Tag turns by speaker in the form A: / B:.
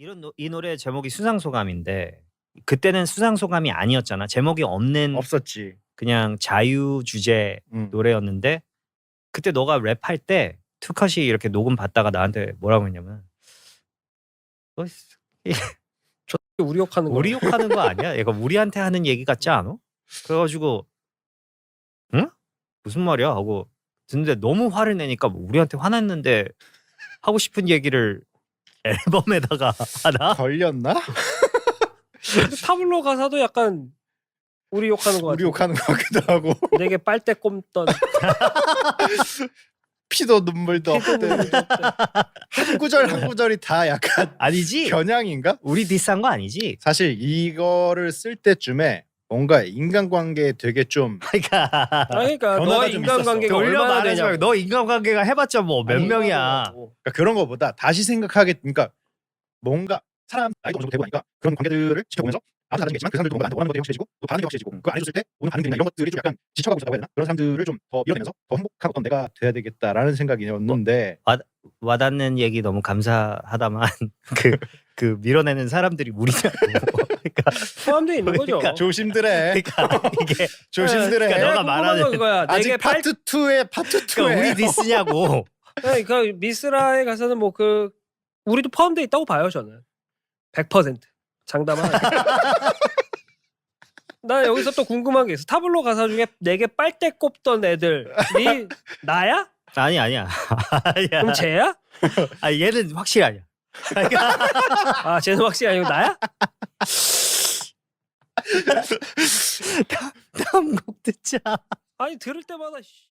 A: 이 노래 제목이 수상소감인데 그때는 수상소감이 아니었잖아. 제목이 없는
B: 없었지.
A: 그냥 자유 주제 노래였는데 그때 너가 랩할 때 투컷이 이렇게 녹음 받다가 나한테 뭐라고 했냐면 너
C: 우리 욕하는 거.
A: 우리 욕하는 거 아니야? 얘가 우리한테 하는 얘기 같지 않아? 그래가지고 응? 무슨 말이야? 하고 듣는데 너무 화를 내니까 뭐 우리한테 화났는데 하고 싶은 얘기를 앨범에다가 하나?
B: 걸렸나?
C: 근데 타블로 가사도 약간 우리 욕하는 거 같아.
B: 우리 욕하는 것 같기도 하고.
C: 내게 빨대 꼽던
B: 피도 눈물도
C: 피도
B: 없대.
C: 눈물도 없대.
B: 한 구절 한 구절이 다 약간
A: 아니지?
B: 겨냥인가?
A: 우리 디스한 거 아니지?
B: 사실 이거를 쓸 때쯤에 뭔가 인간관계에 되게 좀
A: 그러니까
C: 그러니까
B: 변화가
C: 너의
B: 좀
C: 인간관계가
A: 돌려
C: 얼마나
A: 말하지
C: 되냐고.
A: 말고 너 인간관계가 해봤자 뭐 몇
C: 아니,
A: 명이야.
B: 그러니까 그런 거보다 다시 생각하게 그러니까 뭔가 사람 나이도 어느 정도 되고 나니까 그런 관계들을 지켜보면서 아무도 다르겠지만 그 사람들도 뭔가 나한테 원하는 것들이 확실해지고 또 반응이 확실해지고 그거 안 해줬을 때 오는 반응들이나 이런 것들이 좀 약간 지쳐가고 있다고 해야 되나? 그런 사람들을 좀 더 밀어내면서 더 행복한 어떤 내가 돼야 되겠다라는 생각이었는데
A: 와닿는 얘기 너무 감사하다만 그 밀어내는 사람들이 우리냐고. 그러니까
C: 포함되어 있는 거죠.
A: 그러니까
B: 조심들해.
A: 그러니까 이게
B: 조심들해.
A: 그러니까 너가
C: 궁금한
A: 말하는
C: 건 그거야.
B: 아직
C: 내게
B: 파트 2에 파트 2에
A: 그러니까 우리 디스냐고.
C: 그 미스라의 가사는 뭐 그 우리도 포함되어 있다고 봐요 저는. 100% 장담하네. 나 여기서 또 궁금한 게 있어. 타블로 가사 중에 내게 빨대 꼽던 애들이 나야?
A: 아니야. 아니야.
C: 그럼 쟤야?
A: 아 얘는 확실히 아니야.
C: 아 쟤는 확실히 아니고 나야?
A: 다음 곡 듣자.
C: 아니 들을 때마다